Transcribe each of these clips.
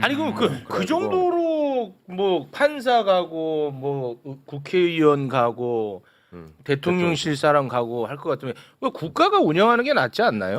아니 그 정도로 뭐 판사 가고 뭐 국회의원 가고 대통령실 사람 가고 할 것 같으면 왜 국가가 운영하는 게 낫지 않나요?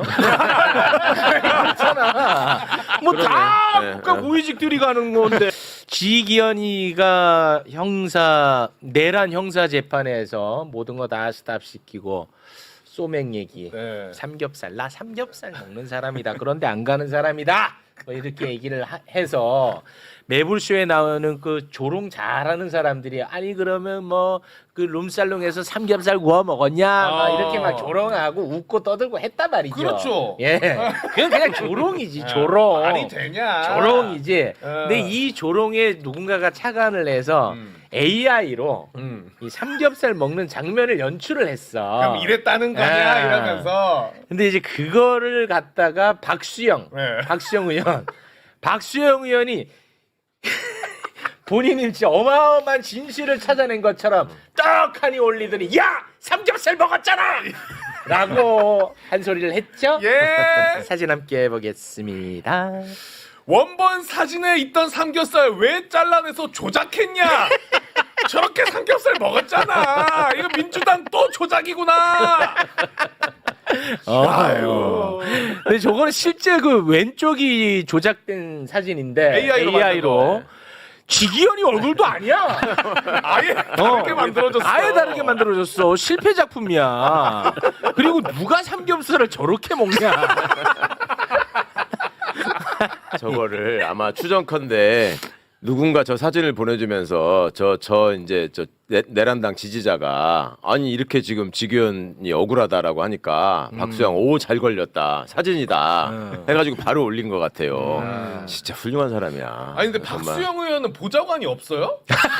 그렇잖아. 뭐 다 국가 고위직들이 가는 건데. 지기현이가 내란 형사 재판에서 모든 거 다 스탑시키고 소맥 얘기, 삼겹살 나 삼겹살 먹는 사람이다. 그런데 안 가는 사람이다. 뭐 이렇게 얘기를 해서 매불쇼에 나오는 그 조롱 잘하는 사람들이 아니 그러면 뭐 그 룸살롱에서 삼겹살 구워 먹었냐 막 이렇게 막 조롱하고 웃고 떠들고 했단 말이죠. 그렇죠. 예, 그건 그냥 조롱이지 조롱. 말이 되냐? 조롱이지. 근데 이 조롱에 누군가가 착안을 해서 AI로 이 삼겹살 먹는 장면을 연출을 했어. 그럼 이랬다는 거냐 이러면서. 근데 이제 그거를 갖다가 박수영 의원이 본인이 진짜 어마어마한 진실을 찾아낸 것처럼 떡하니 올리더니 야 삼겹살 먹었잖아 라고 한 소리를 했죠. 예. 사진 함께 보겠습니다. 원본 사진에 있던 삼겹살 왜 잘라내서 조작했냐? 저렇게 삼겹살 먹었잖아. 이거 민주당 또 조작이구나. 아유. 근데 저거는 실제 그 왼쪽이 조작된 사진인데 AI로 지기현이 얼굴도 아니야. 아예 다르게 만들어졌어. 아예 다르게 만들어졌어. 실패 작품이야. 그리고 누가 삼겹살을 저렇게 먹냐. 저거를 아마 추정컨대 누군가 저 사진을 보내주면서 저 내란당 지지자가 아니 이렇게 지금 지기현이 억울하다라고 하니까 박수영 오 잘 걸렸다 사진이다 해가지고 바로 올린 것 같아요. 진짜 훌륭한 사람이야. 아니 근데 정말. 박수영 의원은 보좌관이 없어요?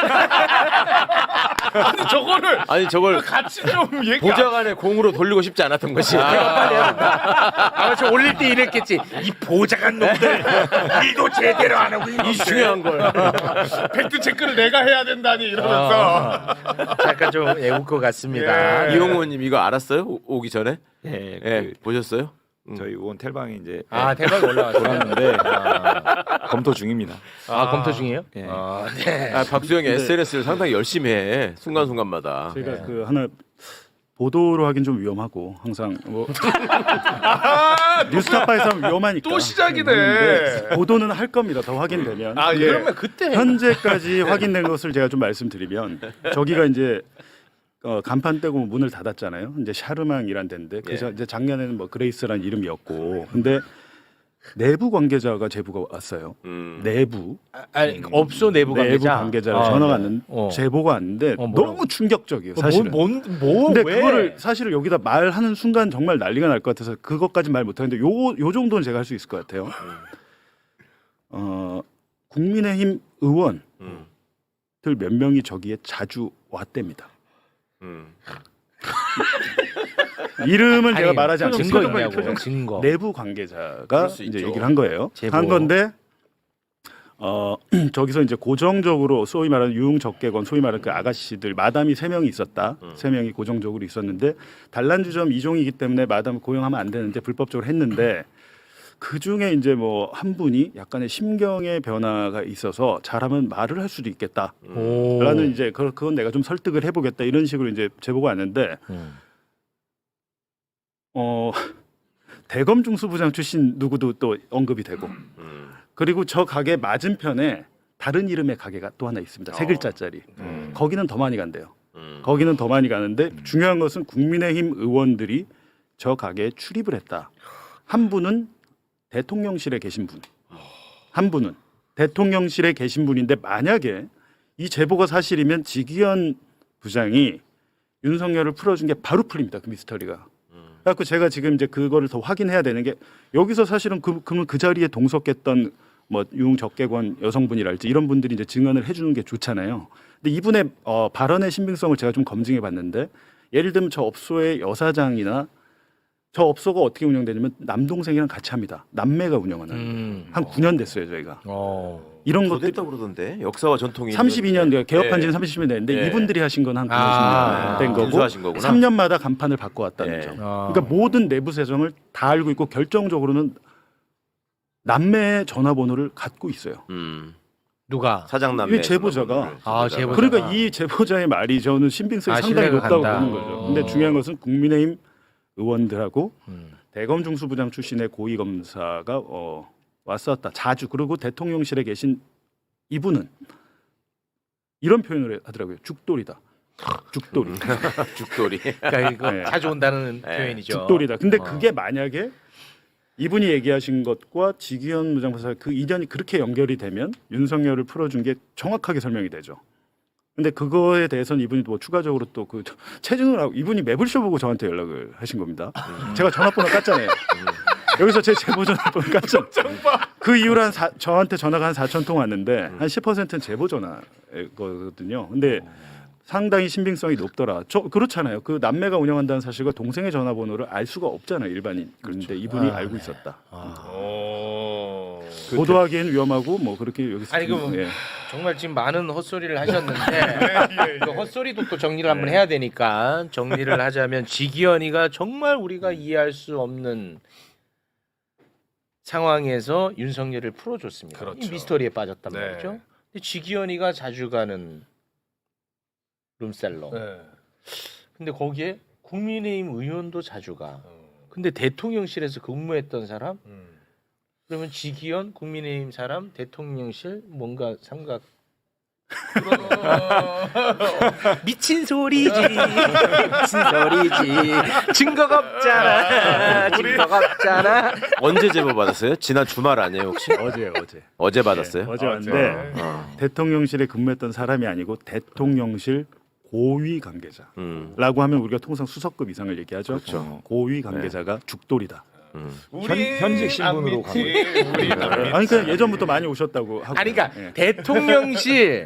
아니 저걸 같이 좀 얘기. 보좌관의 공으로 돌리고 싶지 않았던 것이. 빨리 해야 된다. 아마 저 올릴 때 이랬겠지. 이 보좌관 놈들 일도 제대로 안 하고 이 중요한 걸. 팩트 체크를 내가 해야 된다니 이러면서. 약간 좀 애울 것 같습니다. 예. 이용호 의원님 이거 알았어요? 오기 전에? 예, 예, 보셨어요? 저희 의원 텔방에 이제 대박 올라왔어요. 돌았는데 검토 중입니다. 검토 중이에요? 예. 네. 박수영이 SNS를 상당히 열심히 해. 순간순간마다. 저희가 그 하나 보도로 하긴 좀 위험하고 항상 뭐 뉴스타파에서 하면 위험하니까 또 시작이네. 하는데 보도는 할 겁니다. 더 확인되면. 아 예. 그러면 그때 현재까지 확인된 것을 제가 좀 말씀드리면 저기가 이제 간판 떼고 문을 닫았잖아요. 이제 샤르망이란 데인데 그래서 이제 작년에는 뭐 그레이스라는 이름이었고 근데 내부 관계자가 제보가 왔어요. 내부 업소 내부 관계자. 가 전화가 왔는데 제보가 왔는데 뭐라고? 너무 충격적이에요. 사실은. 근데 왜? 그거를 사실은 여기다 말하는 순간 정말 난리가 날 것 같아서 그것까지 말 못하는데 요 정도는 제가 할 수 있을 것 같아요. 국민의힘 의원들 몇 명이 저기에 자주 왔답니다. 이름을 제가 말하지 증거 않겠습니다. 있냐고. 증거. 내부 관계자가 그럴 수 이제 있죠. 얘기를 한 거예요. 제보. 한 건데 저기서 이제 고정적으로 소위 말하는 유흥적개건 소위 말하는 그 아가씨들 마담이 3명이 있었다. 3명이 고정적으로 있었는데 단란주점 이종이기 때문에 마담 고용하면 안 되는데 불법적으로 했는데 그 중에 이제 뭐 한 분이 약간의 심경의 변화가 있어서 잘하면 말을 할 수도 있겠다. 라는 이제 그건 내가 좀 설득을 해보겠다 이런 식으로 이제 제보가 왔는데 대검 중수부장 출신 누구도 또 언급이 되고 그리고 저 가게 맞은편에 다른 이름의 가게가 또 하나 있습니다. 3글자짜리. 거기는 더 많이 간대요. 거기는 더 많이 가는데 중요한 것은 국민의힘 의원들이 저 가게에 출입을 했다. 한 분은 대통령실에 계신 분. 한 분은 대통령실에 계신 분인데 만약에 이 제보가 사실이면 지기현 부장이 윤석열을 풀어준 게 바로 풀립니다. 그 미스터리가. 그래서 제가 지금 이제 그거를 더 확인해야 되는 게 여기서 사실은 그 자리에 동석했던 뭐 유흥적개관 여성분이랄지 이런 분들이 이제 증언을 해주는 게 좋잖아요. 근데 이분의 발언의 신빙성을 제가 좀 검증해 봤는데 예를 들면 저 업소의 여사장이나 저 업소가 어떻게 운영되냐면 남동생이랑 같이 합니다. 남매가 운영하는 한 9년 됐어요 저희가. 이런 더 것들 됐다 그러던데 역사와 전통이 32년 개업한 지는 예. 30년 됐는데 예. 이분들이 하신 건 한 9년 된 거고 인수하신 거구나. 3년마다 간판을 바꿔왔다는 예. 점. 그러니까 모든 내부 세정을 다 알고 있고 결정적으로는 남매의 전화번호를 갖고 있어요. 누가? 사장남매 이 제보자가. 아, 제보자. 그러니까 이 제보자의 말이 저는 신빙성이 아, 상당히 신뢰가 높다고 간다. 보는 거죠. 근데 중요한 것은 국민의힘 의원들하고 음. 대검 중수부장 출신의 고위 검사가 왔었다. 자주. 그리고 대통령실에 계신 이분은 이런 표현을 하더라고요. 죽돌이다. 죽돌이. 죽돌이. 그러니까 이거 네. 자주 온다는 네. 표현이죠. 죽돌이다. 근데 어. 그게 만약에 이분이 얘기하신 것과 지기현 무장판사 그 인연이 그렇게 연결이 되면 윤석열을 풀어준 게 정확하게 설명이 되죠. 근데 그거에 대해서는 이분이 뭐 추가적으로 또 그 체증을 하고 이분이 매불쇼 보고 저한테 연락을 하신 겁니다. 제가 전화번호 깠잖아요. 여기서 제 제보 전화번호 깠죠. 그 이후로 저한테 전화가 한 4천 통 왔는데 한 10%는 제보 전화거든요. 근데 상당히 신빙성이 높더라. 그렇잖아요. 그 남매가 운영한다는 사실과 동생의 전화번호를 알 수가 없잖아요. 일반인. 그런데 이분이 알고 있었다. 보도하기엔 위험하고 뭐 그렇게 여기서 아니, 지금, 그 정말 지금 많은 헛소리를 하셨는데 그 헛소리도 또 정리를 한번 해야 되니까 정리를 하자면 지기현이가 정말 우리가 이해할 수 없는 상황에서 윤석열을 풀어줬습니다. 그렇죠. 이 미스터리에 빠졌단 네. 말이죠. 근데 지기현이가 자주 가는 룸살롱. 네. 근데 거기에 국민의힘 의원도 자주 가. 근데 대통령실에서 근무했던 사람? 그러면 지기현 국민의힘 사람 대통령실 뭔가 삼각 미친 소리지 미친 소리지 증거가 없잖아 증거가 없잖아. 언제 제보 받았어요? 지난 주말 아니에요 혹시? 어제 받았어요? 어제 왔는데 대통령실에 근무했던 사람이 아니고 대통령실 고위 관계자라고 하면 우리가 통상 수석급 이상을 얘기하죠. 그렇죠. 고위 관계자가 죽돌이다. 현직 신분으로 간 거예요. 우리 아니 그냥 예전부터 많이 오셨다고 하고. 아니 그러니까 예. 대통령실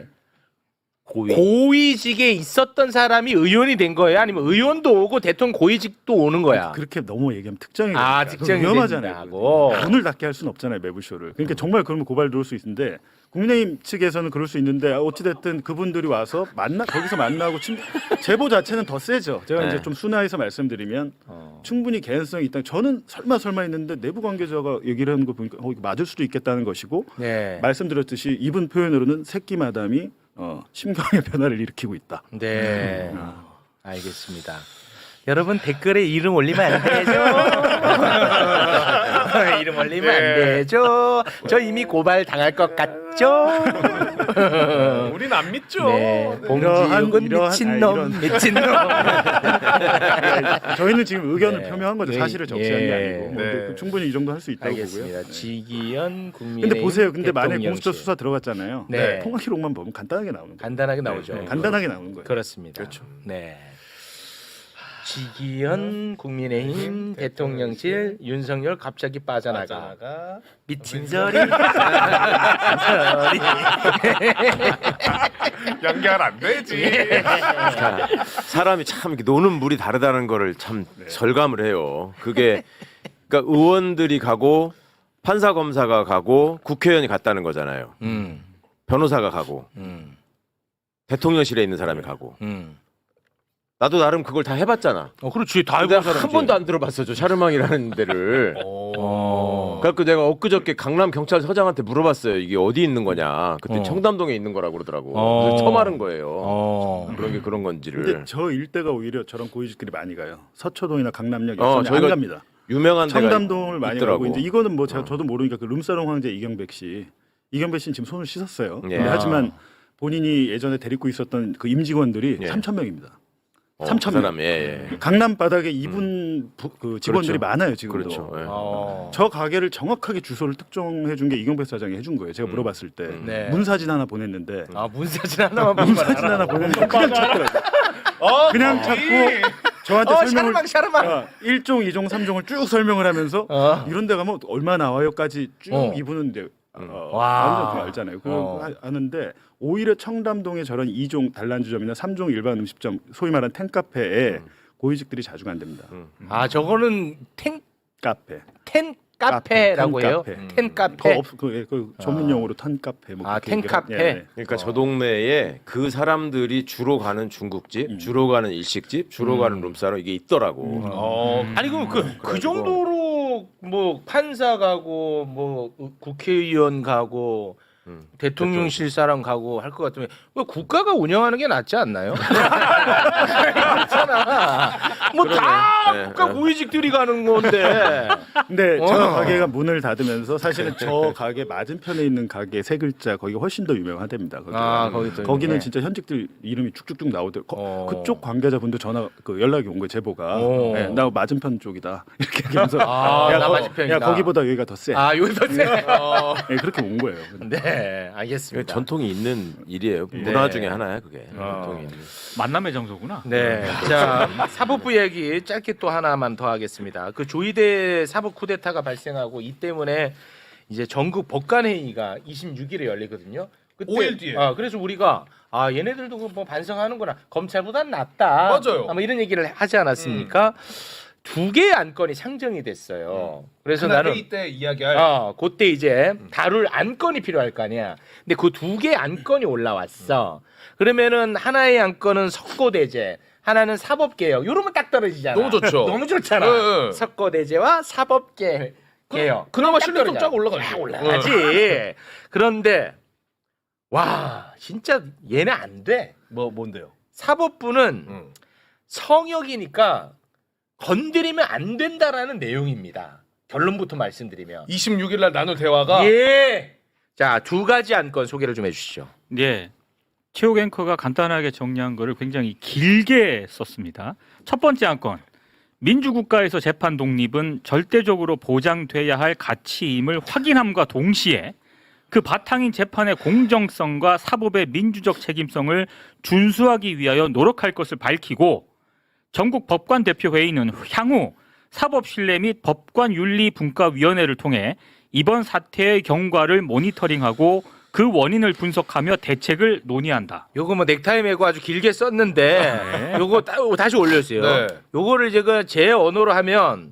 고위직에 있었던 사람이 의원이 된 거예요? 아니면 의원도 오고 대통령 고위직도 오는 거야? 그렇게 너무 얘기하면 특정이 아, 되니까. 특정이 위험하잖아요. 된다고. 문을 닫게 할 수는 없잖아요. 매불쇼를. 그러니까 정말 그러면 고발 들어올 수 있는데 국민의힘 측에서는 그럴 수 있는데 어찌 됐든 그분들이 와서 거기서 만나고 제보 자체는 더 세죠. 제가 네. 이제 좀 순화해서 말씀드리면 충분히 개연성이 있다. 저는 설마 했는데 내부 관계자가 얘기를 하는 거 보니까 이거 맞을 수도 있겠다는 것이고 네. 말씀드렸듯이 이분 표현으로는 새끼 마담이 심경의 변화를 일으키고 있다. 네. 알겠습니다. 여러분 댓글에 이름 올리면 안 되죠? 이름 올리면 안 되죠? 저 이미 고발 당할 것 같죠? 우린 안 믿죠. 네. 봉지욱은 미친놈, 미친놈. 저희는 지금 의견을 네. 표명한 거죠. 네. 사실을 적시한 게 예. 아니고 네. 충분히 이 정도 할 수 있다고 알겠습니다. 보고요. 지기현 국민의힘 근데 보세요. 근데 만약에 대통령실. 공수처 수사 들어갔잖아요. 네. 통화 기록만 보면 간단하게 나오는 거예요. 간단하게 나오죠. 네, 간단하게 나오는 거예요. 그렇습니다. 그렇죠. 네. 지기현 국민의힘 대통령실 윤석열 갑자기 빠져나가 미친 소리 연결 안 되지. 사람이 참 이렇게 노는 물이 다르다는 거를 참 절감을 해요. 그게 그러니까 의원들이 가고 판사 검사가 가고 국회의원이 갔다는 거잖아요. 변호사가 가고 대통령실에 있는 사람이 가고. 나도 나름 그걸 다 해봤잖아. 그렇지 다 내가 해본 사람이지. 한 번도 안 들어봤어 저 샤르망이라는 데를. 그래갖고 내가 엊그저께 강남 경찰서장한테 물어봤어요. 이게 어디 있는 거냐. 그때 청담동에 있는 거라고 그러더라고. 그래서 처음 알은 거예요. 그런 게 그런 건지를. 근데 저 일대가 오히려 저런 고위직들이 많이 가요. 서초동이나 강남역 저희가 안 갑니다. 유명한 데가 청담동을 많이 있더라고. 가고 이제 이거는 뭐 저도 모르니까 그 룸사롱 황제 이경백 씨는 지금 손을 씻었어요. 예. 근데 하지만 본인이 예전에 데리고 있었던 그 임직원들이 예. 3,000명입니다. 그 3,000명. 사람 예. 강남 바닥에 이분 그 직원들이 그렇죠. 많아요 지금도. 그렇죠. 예. 저 가게를 정확하게 주소를 특정해 준 게 이경백 사장이 해준 거예요. 제가 물어봤을 때 네. 문사진 하나 보냈는데 문사진 하나만 문사진 하나 보냈는데 그냥 찾더라고요. 그냥 찾고 저한테 설명을 샤르망 1종, 2종, 3종을 쭉 설명을 하면서 이런 데 가면 얼마 나와요까지 쭉 이분은 이제 완전 그거 알잖아요. 그거 하는데 오히려 청담동에 저런 2종 단란주점이나 3종 일반 음식점 소위 말하는 텐카페에 고위직들이 자주 간답니다. 저거는 텐 카페라고 해요. 텐카페. 텐 카페. 그 전문 용어로 텐카페. 뭐 그렇게 텐카페. 얘기를 예. 그러니까 저 동네에 그 사람들이 주로 가는 중국집, 주로 가는 일식집, 주로 가는 룸사롱 이게 있더라고. 아니 그 정도로 뭐 판사 가고 뭐 국회의원 가고 대통령실 사람 가고 할 것 같으면 왜 국가가 운영하는 게 낫지 않나요? 그렇잖아. 뭐 다 네, 국가 네. 고위직들이 가는 건데. 근데 저 가게가 문을 닫으면서 사실은 저 가게 맞은편에 있는 가게 세 글자 거기가 훨씬 더 유명하답니다. 거기는 네. 진짜 현직들 이름이 쭉쭉쭉 나오더라고. 어. 그쪽 관계자분도 전화 연락이 온 거예요. 제보가. 어. 네, 나 맞은편 쪽이다. 이렇게 얘기하면서 나 맞은편이다. 야 거기보다 여기가 더 세. 아 여기서 세. 네, 그렇게 온 거예요. 네, 알겠습니다. 전통이 있는 일이에요. 네. 문화 중에 하나야 그게. 어. 전통이 있는. 만남의 장소구나. 네. 자, 사법부 얘기 짧게 또 하나만 더 하겠습니다. 그 조이대 사법 쿠데타가 발생하고 이 때문에 이제 전국 법관회의가 26일에 열리거든요. 그때, 5일 뒤에. 그래서 우리가 얘네들도 뭐 반성하는구나. 검찰보단 낫다. 맞아요. 아마 이런 얘기를 하지 않았습니까? 두 개의 안건이 상정이 됐어요. 그래서 그날 나는 회의 때 이야기할 그때 이제 다룰 안건이 필요할 거 아니야. 근데 그 두 개의 안건이 올라왔어. 그러면은 하나의 안건은 석고대제, 하나는 사법개혁. 이러면 딱 떨어지잖아. 너무 좋죠. 너무 좋잖아. 네, 네. 석고대제와 사법개혁. 그나마 딱 신뢰성 떨어져. 쫙 올라가죠. 쫙 올라가지. 그런데 와 진짜 얘네 안 돼. 뭔데요? 사법부는 성역이니까 건드리면 안 된다라는 내용입니다. 결론부터 말씀드리면. 26일 날 나눌 대화가 예. 자, 두 가지 안건 소개를 좀 해주시죠. 예. 최욱 앵커가 간단하게 정리한 거를 굉장히 길게 썼습니다. 첫 번째 안건. 민주국가에서 재판 독립은 절대적으로 보장돼야 할 가치임을 확인함과 동시에 그 바탕인 재판의 공정성과 사법의 민주적 책임성을 준수하기 위하여 노력할 것을 밝히고 전국 법관 대표 회의는 향후 사법신뢰 및 법관윤리분과위원회를 통해 이번 사태의 경과를 모니터링하고 그 원인을 분석하며 대책을 논의한다. 요거 뭐 넥타이 메고 아주 길게 썼는데 요거 다시 올려주세요. 네. 요거를 제가 제 언어로 하면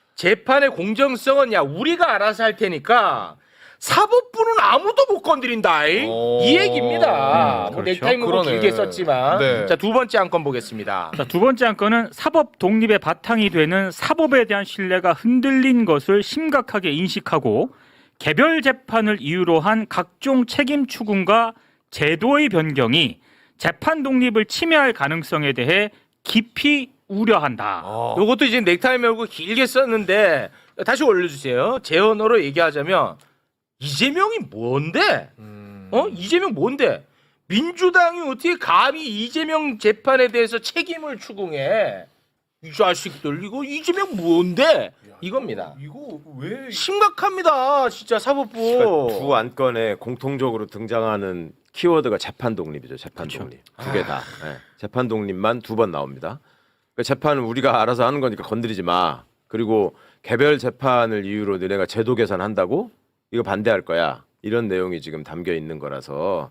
재판의 공정성은 야 우리가 알아서 할 테니까 사법부는 아무도 못 건드린다. 이 얘기입니다. 뭐 그렇죠. 넥타이 메고 그러네. 길게 썼지만 네. 자, 두 번째 안건 보겠습니다. 자, 두 번째 안건은 사법 독립의 바탕이 되는 사법에 대한 신뢰가 흔들린 것을 심각하게 인식하고 개별 재판을 이유로 한 각종 책임 추궁과 제도의 변경이 재판 독립을 침해할 가능성에 대해 깊이 우려한다. 요것도 이제 넥타이 메고 길게 썼는데 다시 올려주세요. 제 언어로 얘기하자면 이재명이 뭔데? 이재명 뭔데? 민주당이 어떻게 감히 이재명 재판에 대해서 책임을 추궁해? 이 자식들 이거 이재명 뭔데? 이겁니다. 이거 왜 심각합니다, 진짜 사법부. 그러니까 두 안건에 공통적으로 등장하는 키워드가 재판 독립이죠. 재판 독립 두 개 다. 네. 재판 독립만 두 번 나옵니다. 그러니까 재판은 우리가 알아서 하는 거니까 건드리지 마. 그리고 개별 재판을 이유로 너네가 제도 개선한다고 이거 반대할 거야. 이런 내용이 지금 담겨 있는 거라서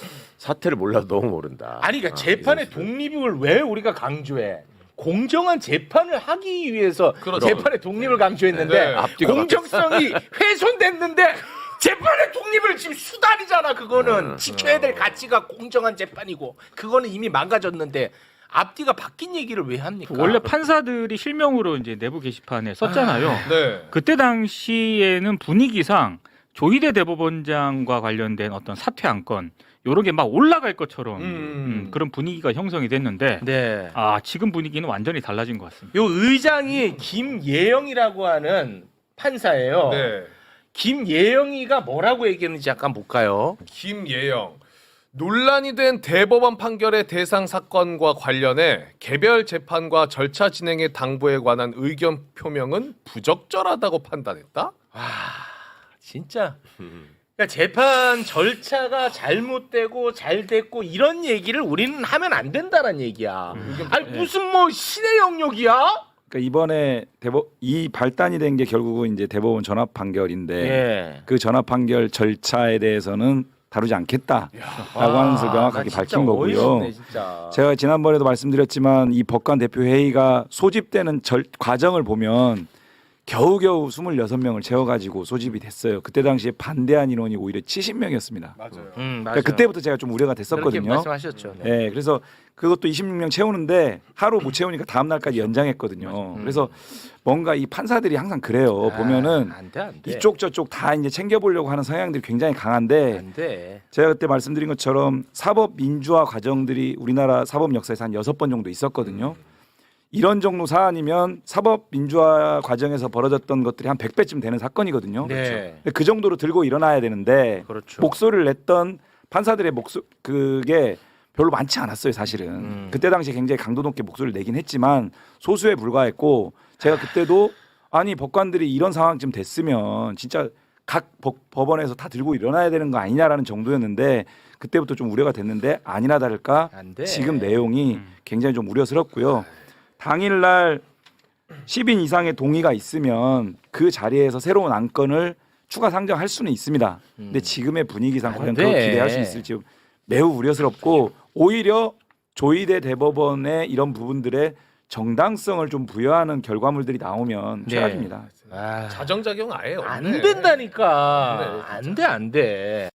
사태를 몰라도 너무 모른다. 아니 그러니까 재판의 독립을 왜 우리가 강조해? 공정한 재판을 하기 위해서 그렇죠. 재판의 독립을 강조했는데 네. 앞뒤가 공정성이 훼손됐는데 재판의 독립을 지금 수단이잖아. 그거는 지켜야 될 가치가 공정한 재판이고 그거는 이미 망가졌는데 앞뒤가 바뀐 얘기를 왜 합니까? 원래 판사들이 실명으로 이제 내부 게시판에 썼잖아요. 네. 그때 당시에는 분위기상 조희대 대법원장과 관련된 어떤 사퇴 안건 이런 게 막 올라갈 것처럼 그런 분위기가 형성이 됐는데 네. 지금 분위기는 완전히 달라진 것 같습니다. 요 의장이 김예영이라고 하는 판사예요. 네. 김예영이가 뭐라고 얘기했는지 잠깐 볼까요? 김예영 논란이 된 대법원 판결의 대상 사건과 관련해 개별 재판과 절차 진행의 당부에 관한 의견 표명은 부적절하다고 판단했다? 진짜. 그러니까 재판 절차가 잘못되고 잘 됐고 이런 얘기를 우리는 하면 안 된다는 얘기야. 아니 무슨 뭐 신의 영역이야? 그러니까 이번에 이 발단이 된 게 결국은 이제 대법원 전합 판결인데 예. 그 전합 판결 절차에 대해서는 다루지 않겠다라고 하는 것을 명확하게 밝힌 거고요. 어이없네, 진짜. 제가 지난번에도 말씀드렸지만 이 법관 대표 회의가 소집되는 과정을 보면 겨우겨우 26명을 채워가지고 소집이 됐어요. 그때 당시에 반대한 인원이 오히려 70명이었습니다. 맞아요. 맞아요. 그러니까 그때부터 제가 좀 우려가 그렇게 됐었거든요. 말씀하셨죠. 네. 네, 그래서 그것도 26명 채우는데 하루 못 채우니까 다음 날까지 연장했거든요. 그래서 뭔가 이 판사들이 항상 그래요. 보면은 안 돼. 이쪽 저쪽 다 이제 챙겨보려고 하는 성향들이 굉장히 강한데 안 돼. 제가 그때 말씀드린 것처럼 사법 민주화 과정들이 우리나라 사법 역사에서 한 6번 정도 있었거든요. 이런 정도 사안이면 사법 민주화 과정에서 벌어졌던 것들이 한 100배쯤 되는 사건이거든요. 네. 근데 그 정도로 들고 일어나야 되는데 그렇죠. 목소리를 냈던 판사들의 그게 별로 많지 않았어요, 사실은. 그때 당시에 굉장히 강도 높게 목소리를 내긴 했지만 소수에 불과했고 제가 그때도 아니 법관들이 이런 상황쯤 됐으면 진짜 각 법원에서 다 들고 일어나야 되는 거 아니냐라는 정도였는데 그때부터 좀 우려가 됐는데 아니나 다를까 안 돼. 지금 내용이 굉장히 좀 우려스럽고요. 당일날 10인 이상의 동의가 있으면 그 자리에서 새로운 안건을 추가 상정할 수는 있습니다. 근데 지금의 분위기상 안 과연 돼. 그걸 기대할 수 있을지 매우 우려스럽고 오히려 조희대 대법원의 이런 부분들의 정당성을 좀 부여하는 결과물들이 나오면 네. 최악입니다. 아, 자정작용 아예 없네. 안 된다니까. 네, 안 돼, 안 돼.